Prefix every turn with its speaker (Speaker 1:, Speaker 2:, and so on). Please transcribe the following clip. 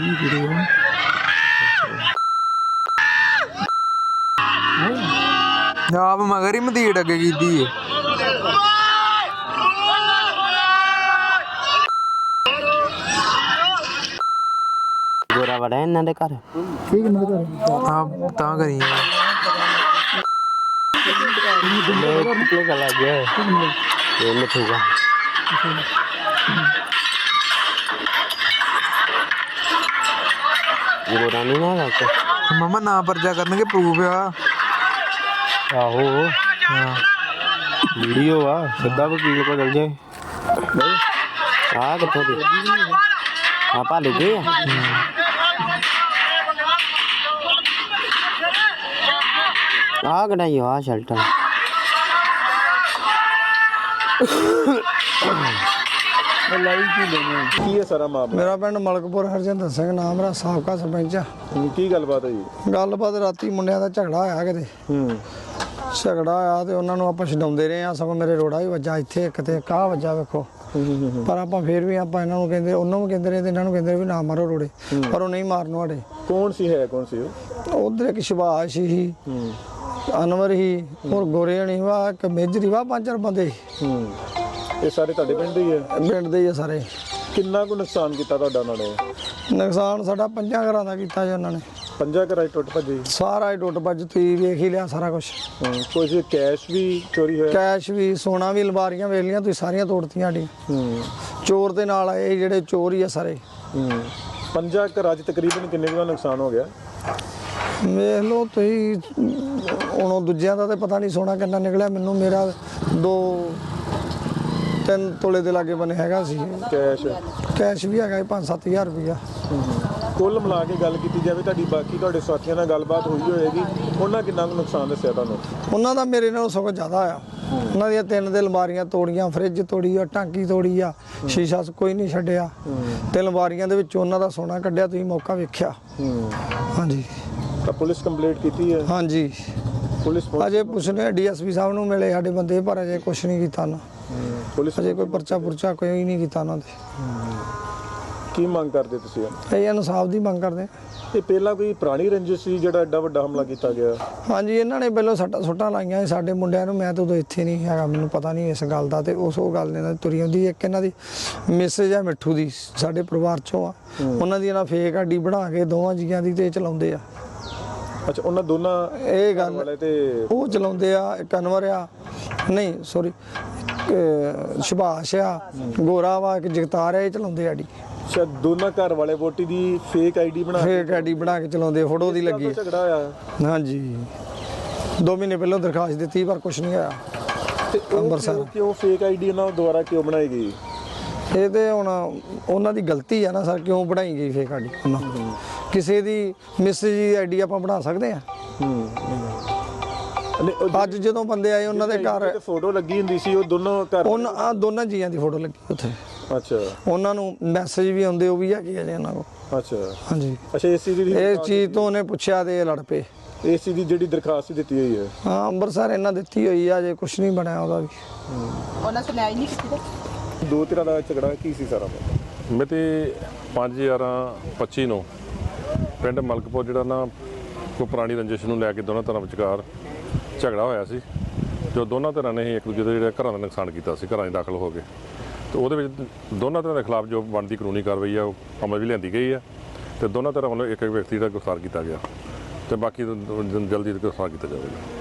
Speaker 1: ਆਪ ਮਗਰ ਹੀ ਮਦੀੜ ਅੱਗੇ ਕੀਤੀ ਹੈ।
Speaker 2: ਗੋਰਾ ਵੜਾ ਇਹਨਾਂ ਦੇ ਘਰ
Speaker 1: ਆਪ ਤਾਂ ਕਰੀ
Speaker 2: ਕਿੱਥੇ ਚਲਾ ਗਿਆ ਇਹ ਮਿੱਠੂਗਾ ਗੋਰਾ ਨਹੀਂ ਨਾ ਲੱਗਦਾ
Speaker 1: ਮਮਾ ਨਾ ਪਰਚਾ ਕਰਨਗੇ ਪ੍ਰੂਫ ਆ।
Speaker 2: ਆਹੋ
Speaker 1: ਹਾਂ
Speaker 2: ਵੀਡੀਓ ਆ ਸਿੱਧਾ ਵਕੀਲ ਕੋਲ ਚਲ ਜਾਏ ਆ ਕਿੱਥੋਂ ਦੀ ਆਪਾਂ ਲੈ ਗਏ ਆ ਕਢਾਈ ਆ ਸ਼ਲਟਰ
Speaker 3: ਕੀ ਹੈ ਸਾਰਾ ਮਾਮਲਾ?
Speaker 4: ਮੇਰਾ ਪਿੰਡ ਮਲਕਪੁਰ ਹਰਜਿੰਦਰ ਸਿੰਘ ਨਾਮ ਮੇਰਾ ਸਾਬਕਾ ਸਰਪੰਚ ਆ।
Speaker 3: ਕੀ ਗੱਲਬਾਤ ਹੋਈ?
Speaker 4: ਗੱਲਬਾਤ ਰਾਤੀ ਮੁੰਡਿਆਂ ਦਾ ਝਗੜਾ ਹੋਇਆ ਕਿਤੇ ਝਗੜਾ ਹੋਇਆ ਤੇ ਉਹਨਾਂ ਨੂੰ ਆਪਾਂ ਛਡਾਉਂਦੇ ਰਹੇ ਆ। ਸਗੋਂ ਮੇਰੇ ਰੋੜਾ ਵੀ ਵੱਜਾ ਇੱਥੇ ਇੱਕ ਤੇ ਕਾਹ ਵੱਜਾ ਵੇਖੋ। ਪਰ ਆਪਾਂ ਫੇਰ ਵੀ ਆਪਾਂ ਇਹਨਾਂ ਨੂੰ ਕਹਿੰਦੇ ਉਹਨਾਂ ਨੂੰ ਕਹਿੰਦੇ ਰਹੇ ਤੇ ਇਹਨਾਂ ਨੂੰ ਕਹਿੰਦੇ ਵੀ ਨਾ ਮਾਰੋ ਰੋੜੇ ਪਰ ਉਹ ਨਹੀਂ ਮਾਰਨ ਵਾਲੇ।
Speaker 3: ਕੌਣ ਸੀ ਹੈ ਕੌਣ ਸੀ ਉਹ?
Speaker 4: ਉਧਰ ਇੱਕ ਸ਼ਿਵਾਸ਼ ਸੀ ਅਨਵਰ ਹੀ ਹੋਰ ਗੋਰੇਣੀ ਵਾ ਇੱਕ ਮੇਜਰੀ ਵਾ 5-4 ਬੰਦੇ
Speaker 3: ਇਹ ਸਾਰੇ ਤੁਹਾਡੇ ਪਿੰਡ ਦੇ ਹੀ ਹੈ?
Speaker 4: ਪਿੰਡ ਦੇ ਹੀ ਆ ਸਾਰੇ।
Speaker 3: ਕਿੰਨਾ ਕੁ ਨੁਕਸਾਨ ਕੀਤਾ ਤੁਹਾਡਾ ਉਹਨਾਂ ਨੇ?
Speaker 4: ਨੁਕਸਾਨ ਸਾਡਾ 5 ਘਰਾਂ ਦਾ ਕੀਤਾ ਜੀ ਉਹਨਾਂ ਨੇ।
Speaker 3: 5 ਘਰਾਂ 'ਚ ਟੁੱਟ ਭੱਜੇ?
Speaker 4: ਸਾਰਾ ਹੀ ਟੁੱਟ ਭੱਜ ਤੁਸੀਂ ਵੇਖ ਹੀ ਲਿਆ ਸਾਰਾ ਕੁਝ।
Speaker 3: ਕੁਝ ਕੈਸ਼ ਵੀ ਚੋਰੀ ਹੋਇਆ?
Speaker 4: ਕੈਸ਼ ਵੀ ਸੋਨਾ ਵੀ ਅਲਮਾਰੀਆਂ ਵੇਖ ਲੀਆਂ ਤੁਸੀਂ ਸਾਰੀਆਂ ਤੋੜਤੀਆਂ ਸਾਡੀਆਂ। ਚੋਰ ਦੇ ਨਾਲ ਆਏ ਜਿਹੜੇ ਚੋਰ ਹੀ ਆ ਸਾਰੇ।
Speaker 3: 5 ਘਰਾਂ 'ਚ ਤਕਰੀਬਨ ਕਿੰਨੇ ਕੁ ਦਾ ਨੁਕਸਾਨ ਹੋ ਗਿਆ?
Speaker 4: ਵੇਖ ਲਓ ਤੁਸੀਂ ਹੁਣ ਉਹ ਦੂਜਿਆਂ ਦਾ ਤੇ ਪਤਾ ਨਹੀਂ ਸੋਨਾ ਕਿੰਨਾ ਨਿਕਲਿਆ। ਮੈਨੂੰ ਮੇਰਾ 2-3 ਤੋਲੇ ਦੇ ਲਾਗੇ ਬਣੇ ਹੈਗਾ ਸੀ
Speaker 3: ਕੈਸ਼
Speaker 4: ਕੈਸ਼ ਵੀ ਹੈਗਾ 5-7 ਹਜ਼ਾਰ ਰੁਪਇਆ।
Speaker 3: ਕੁੱਲ ਮਿਲਾ ਕੇ ਗੱਲ ਕੀਤੀ ਜਾਵੇ ਤੁਹਾਡੀ ਬਾਕੀ ਤੁਹਾਡੇ ਸਾਥੀਆਂ ਨਾਲ ਗੱਲਬਾਤ ਹੋਈ ਹੋਏਗੀ, ਉਹਨਾਂ ਕਿੰਨਾ ਕੁ ਨੁਕਸਾਨ ਦੱਸਿਆ ਤੁਹਾਨੂੰ?
Speaker 4: ਉਹਨਾਂ ਦਾ ਮੇਰੇ ਨਾਲੋਂ ਸਗੋਂ ਜ਼ਿਆਦਾ ਆ। ਉਹਨਾਂ ਦੀਆਂ 3 ਦੇ ਅਲਮਾਰੀਆਂ ਤੋੜੀਆਂ, ਫਰਿੱਜ ਤੋੜੀ ਆ, ਟਾਂਕੀ ਤੋੜੀ ਆ, ਸ਼ੀਸ਼ਾ ਕੋਈ ਨਹੀਂ ਛੱਡਿਆ ਤੇ ਅਲਮਾਰੀਆਂ ਦੇ ਵਿੱਚ ਉਹਨਾਂ ਦਾ ਸੋਨਾ ਕੱਢਿਆ। ਤੁਸੀਂ ਮੌਕਾ ਵੇਖਿਆ? ਹਾਂਜੀ।
Speaker 3: ਤਾਂ ਪੁਲਿਸ ਕੰਪਲੇਂਟ ਕੀਤੀ ਹੈ?
Speaker 4: ਹਾਂਜੀ
Speaker 3: ਪੁਲਿਸ
Speaker 4: ਅਜੇ ਪੁੱਛਨੇ ਡੀਐਸਪੀ ਸਾਹਿਬ ਨੂੰ ਮਿਲੇ ਸਾਡੇ ਬੰਦੇ ਪਰ ਅਜੇ ਕੁਛ ਨਹੀਂ ਕੀਤਾ ਨਾ।
Speaker 3: ਪੁਲਿਸ
Speaker 4: ਅਜੇ ਕੋਈ ਪਰਚਾ ਪੁਰਚਾ ਕੋਈ ਨਹੀਂ ਕੀਤਾ ਉਹਨਾਂ ਦੇ।
Speaker 3: ਕੀ ਮੰਗ ਕਰਦੇ ਤੁਸੀਂ?
Speaker 4: ਇਹ ਇਨਸਾਫ ਦੀ ਮੰਗ ਕਰਦੇ।
Speaker 3: ਇਹ ਪਹਿਲਾਂ ਕੋਈ ਪੁਰਾਣੀ ਰੰਜਿਸ਼ ਸੀ ਜਿਹੜਾ ਐਡਾ ਵੱਡਾ ਹਮਲਾ ਕੀਤਾ ਗਿਆ?
Speaker 4: ਹਾਂਜੀ ਇਹਨਾਂ ਨੇ ਪਹਿਲਾਂ ਸੁੱਟਾਂ ਲਾਈਆਂ ਸਾਡੇ ਮੁੰਡਿਆਂ ਨੂੰ। ਮੈਂ ਤਾਂ ਉਦੋਂ ਇੱਥੇ ਨਹੀਂ ਹੈਗਾ, ਮੈਨੂੰ ਪਤਾ ਨਹੀਂ ਇਸ ਗੱਲ ਦਾ। ਤੇ ਉਹ ਗੱਲ ਨੇ ਤੁਰੀ ਆਉਂਦੀ। ਇੱਕ ਇਹਨਾਂ ਦੀ ਮੈਸੇਜ ਆ ਮਿੱਠੂ ਦੀ ਸਾਡੇ ਪਰਿਵਾਰ ਚੋਂ ਆ। ਉਹਨਾਂ ਦੀ ਇਹਨਾਂ ਫੇਕ ਆਈਡੀ ਬਣਾ ਕੇ ਦੋਵਾਂ ਜੀਆਂ ਦੀ ਤੇ ਚਲਾਉਂਦੇ ਆ।
Speaker 3: ਅੱਛਾ ਉਹਨਾਂ ਦੋਨਾਂ
Speaker 4: ਇਹ ਗੱਲ
Speaker 3: ਵਾਲੇ ਤੇ
Speaker 4: ਉਹ ਚਲਾਉਂਦੇ ਆ। ਇੱਕ ਅਨਵਰ ਆ ਨਹੀਂ ਸੌਰੀ ਸ਼ਿਭਾਸ਼ ਆ, ਗੋਰਾ ਵਾ, ਇੱਕ ਜਗਤਾਰ ਆ, ਇਹ ਚਲਾਉਂਦੇ ਆਡੀ।
Speaker 3: ਅੱਛਾ ਦੋਨਾਂ ਘਰ ਵਾਲੇ ਵੋਟੀ ਦੀ ਫੇਕ ਆਈਡੀ ਬਣਾ
Speaker 4: ਕੇ ਚਲਾਉਂਦੇ। ਫੋਟੋ ਦੀ ਲੱਗੀ
Speaker 3: ਝਗੜਾ ਹੋਇਆ?
Speaker 4: ਹਾਂਜੀ 2 ਮਹੀਨੇ ਪਹਿਲਾਂ ਦਰਖਾਸਤ ਦਿੱਤੀ ਪਰ ਕੁਝ ਨਹੀਂ ਆਇਆ।
Speaker 3: ਤੇ
Speaker 4: ਅੰਮ੍ਰਿਤਸਰ
Speaker 3: ਕਿਉਂ ਫੇਕ ਆਈਡੀ ਉਹਨਾਂ ਦੁਆਰਾ ਕਿਉਂ ਬਣਾਈ ਗਈ?
Speaker 4: ਇਹ ਤੇ ਹੁਣ ਉਹਨਾਂ ਦੀ ਗਲਤੀ ਆ ਨਾ ਸਰ। ਕਿਉਂ ਬਣਾਈ ਗਈ ਫੇਕ ਆਈਡੀ? ਕਿਸੇ ਦੀ ਮੈਸੇਜ ਦੀ ਆਈਡੀ ਆਪਾਂ ਬਣਾ ਸਕਦੇ ਆ? ਅੱਜ ਜਦੋਂ ਬੰਦੇ ਆਏ ਉਹਨਾਂ ਦੇ ਘਰ
Speaker 3: ਫੋਟੋ ਲੱਗੀ ਹੁੰਦੀ ਸੀ, ਉਹ ਦੋਨੋਂ ਘਰ
Speaker 4: ਉਹਨਾਂ ਦੋਨਾਂ ਜੀਆਂ ਦੀ ਫੋਟੋ ਲੱਗੀ ਉੱਥੇ।
Speaker 3: ਅੱਛਾ
Speaker 4: ਉਹਨਾਂ ਨੂੰ ਮੈਸੇਜ ਵੀ ਆਉਂਦੇ, ਉਹ ਵੀ ਹੈਗੇ ਅਜੇ ਉਹਨਾਂ ਕੋਲ।
Speaker 3: ਅੱਛਾ
Speaker 4: ਹਾਂਜੀ।
Speaker 3: ਅੱਛਾ ਏਸੀ ਦੀ
Speaker 4: ਇਹ ਚੀਜ਼ ਤੋਂ ਉਹਨੇ ਪੁੱਛਿਆ ਤੇ ਇਹ ਲੜ ਪਏ।
Speaker 3: ਏਸੀ ਦੀ ਜਿਹੜੀ ਦਰਖਾਸਤ ਦਿੱਤੀ ਹੋਈ ਹੈ?
Speaker 4: ਹਾਂ ਅੰਮ੍ਰਿਤਸਰ ਇਹਨਾਂ ਦਿੱਤੀ ਹੋਈ ਆ, ਅਜੇ ਕੁਝ ਨਹੀਂ ਬਣਿਆ ਉਹਦਾ ਵੀ।
Speaker 5: ਉਹਨਾਂ ਸੁਣਾਈ ਨਹੀਂ ਕੀਤੀ।
Speaker 3: ਦੋ ਧਿਰਾਂ ਦਾ ਝਗੜਾ ਕੀ ਸੀ ਸਾਰਾ?
Speaker 6: ਮਿਤੀ 5/11/25 ਨੂੰ ਪਿੰਡ ਮਲਕਪੁਰ ਜਿਹੜਾ ਨਾ ਕੋਈ ਪੁਰਾਣੀ ਰੰਜਿਸ਼ ਨੂੰ ਲੈ ਕੇ ਦੋਨਾਂ ਧਿਰਾਂ ਵਿਚਕਾਰ ਝਗੜਾ ਹੋਇਆ ਸੀ। ਜੋ ਦੋਨਾਂ ਧਿਰਾਂ ਨੇ ਹੀ ਇੱਕ ਦੂਜੇ ਦੇ ਜਿਹੜੇ ਘਰਾਂ ਦਾ ਨੁਕਸਾਨ ਕੀਤਾ ਸੀ, ਘਰਾਂ 'ਚ ਦਾਖਲ ਹੋ ਕੇ। ਤੇ ਉਹਦੇ ਵਿੱਚ ਦੋਨਾਂ ਧਿਰਾਂ ਦੇ ਖਿਲਾਫ ਜੋ ਬਣਦੀ ਕਾਨੂੰਨੀ ਕਾਰਵਾਈ ਆ ਉਹ ਅਮਲ ਵੀ ਲਿਆਂਦੀ ਗਈ ਆ। ਤੇ ਦੋਨਾਂ ਧਿਰਾਂ ਵੱਲੋਂ ਇੱਕ ਵਿਅਕਤੀ ਦਾ ਗ੍ਰਿਫਤਾਰ ਕੀਤਾ ਗਿਆ ਤੇ ਬਾਕੀ ਜਲਦੀ ਗ੍ਰਿਫਤਾਰ ਕੀਤਾ ਜਾਵੇਗਾ।